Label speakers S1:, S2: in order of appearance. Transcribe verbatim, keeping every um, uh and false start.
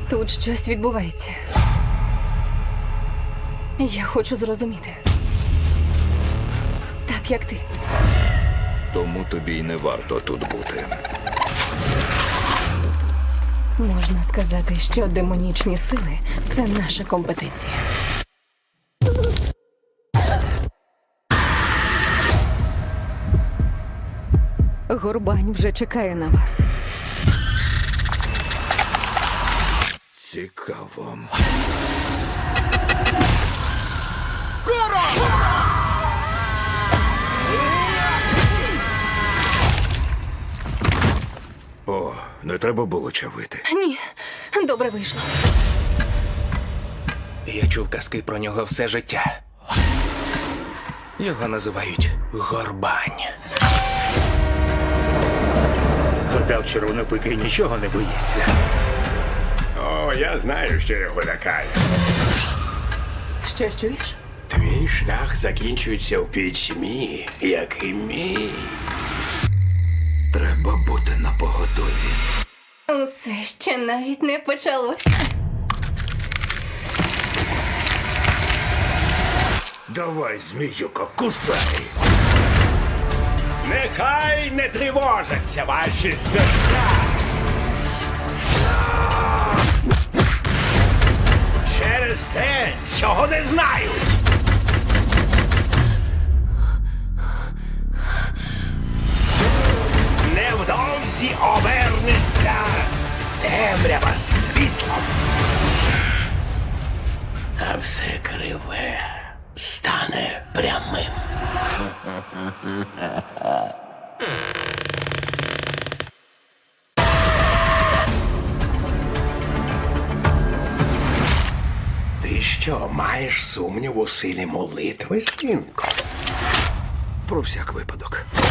S1: Тут щось відбувається. Я хочу зрозуміти. Так, як ти.
S2: Тому тобі й не варто тут бути.
S1: Можна сказати, що демонічні сили – це наша компетенція. Горбань вже чекає на вас.
S2: Цікаво. О, не треба було чавити.
S1: Ні, добре вийшло.
S3: Я чув казки про нього все життя. Його називають Горбань.
S4: Гадав, червонопики нічого не боїться.
S5: О, я знаю, що його лякає.
S1: Що чуєш?
S5: Твій шлях закінчується в пітьмі, як і мій.
S2: Треба бути напоготові.
S1: Усе ще навіть не почалося.
S2: Давай, зміюко, кусай!
S5: Нехай не тривожаться ваші серця. Через те, чого не знають. Невдовзі обернеться темрява світлом. А все криве стане прямим. Ти що, маєш сумнів у силі молитви, синку?
S2: Про всяк випадок.